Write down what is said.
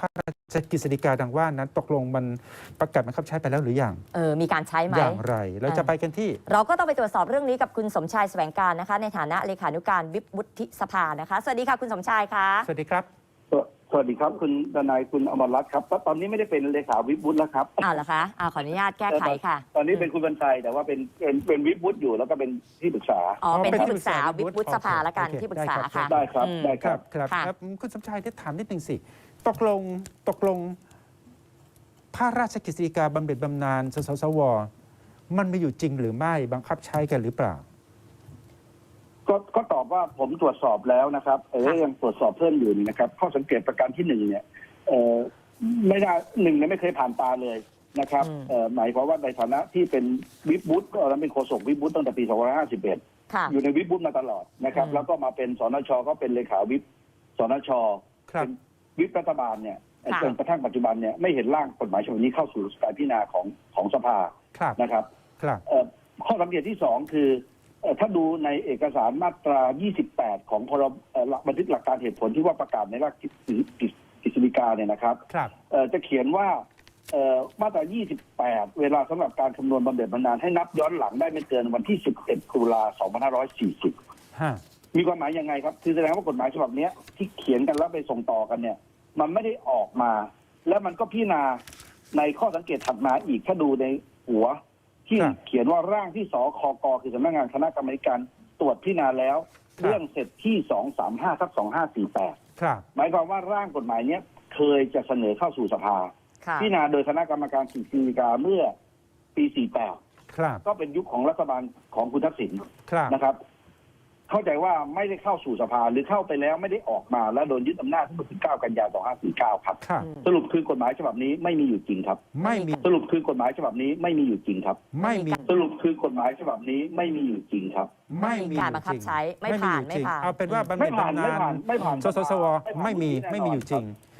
ระราชกฤษฎีกาดังว่านั้นตกลงมันประกาศบังคับใช้ไปแล้วหรือยังมีการใช้ไหมอย่างไรเราจะไปกันที่เราก็ต้องไปตรวจสอบเรื่องนี้กับคุณสมชายแสวงการนะคะในฐานะเลขานุการวิปวุฒิสภานะคะสวัสดีค่ะคุณสมชายค่ะสวัสดีครับสวัสดีครับคุณทนายคุณอมรรัตน์ครับตอนนี้ไม่ได้เป็นเลขาวิปวุฒิแล้วครับเหรอคะขออนุญาตแก้ไขค่ะตอนนี้เป็นคุณบรรชัยแต่ว่าเป็นวิปวุฒิอยู่แล้วก็เป็นที่ปรึกษาเป็นที่ปรึกษาวิปวุฒิสภาละกันที่ปรึกษาค่ะได้ครับได้ครับครับคุณสมชายได้ถามนิดนึงสิตกลงพระราชกฤษฎีกาบำเหน็จบำนาญสสวมันมีอยู่จริงหรือไม่บังคับใช้กันหรือเปล่าก็ตอบว่าผมตรวจสอบแล้วนะครับยังตรวจสอบเพิ่มอยู่นะครับข้อสังเกตประการที่หนึ่งเนี่ยไม่ได้ไม่เคยผ่านตาเลยนะครับหมายความว่าในฐานะที่เป็นวิปวุฒิก็แล้วเป็นโฆษกวิปวุฒิตั้งแต่ปี2551อยู่ในวิปวุฒิมาตลอดนะครับแล้วก็มาเป็นสนชก็เป็นเลขาวิปสนชเป็นวิปรัฐบาลเนี่ยจนกระทั่งปัจจุบันเนี่ยไม่เห็นร่างกฎหมายฉบับนี้เข้าสู่การพิจารณาของสภานะครับข้อสังเกตที่สองคือถ้าดูในเอกสารมาตรา 28 ของพรบบันทึกหลักการเหตุผลที่ว่าประกาศในราชกฤษฎีกาเนี่ยนะครับจะเขียนว่ามาตรา 28 เวลาสำหรับการคำนวณบำเหน็จบำนาญให้นับย้อนหลังได้ไม่เกินวันที่ 11 ตุลา 2540 มีความหมายยังไงครับคือแสดงว่ากฎหมายฉบับนี้ที่เขียนกันแล้วไปส่งต่อกันเนี่ยมันไม่ได้ออกมาแล้วมันก็พิจารณาในข้อสังเกตถัดมาอีกถ้าดูในหัวที่เขียนว่าร่างที่สคกคือสำนักงานคณะกรรมการตรวจพิจารณาแล้วเรื่องเสร็จที่235/2548หมายความว่าร่างกฎหมายนี้เคยจะเสนอเข้าสู่สภาพิจารณาโดยคณะกรรมการกฤษฎีกาเมื่อปี48ก็เป็นยุคของรัฐบาลของคุณทักษิณนะครับเข้าใจว่าไม่ได้เข้าสู่สภาหรือเข้าไปแล้วไม่ได้ออกมาแล้วโดนยึดอำนาจเมื่อ9 กันยายน 2549 ครับสรุปคือกฎหมายฉบับนี้ไม่มีอยู่จริงครับไม่มีสรุปคือกฎหมายฉบับนี้ไม่มีอยู่จริงครับไม่มีสรุปคือกฎหมายฉบับนี้ไม่มีอยู่จริงครับไม่มีการบังคับใช้ไม่ผ่านเอาเป็นว่าบำเหน็จบำนาญสสวไม่มีอยู่จริง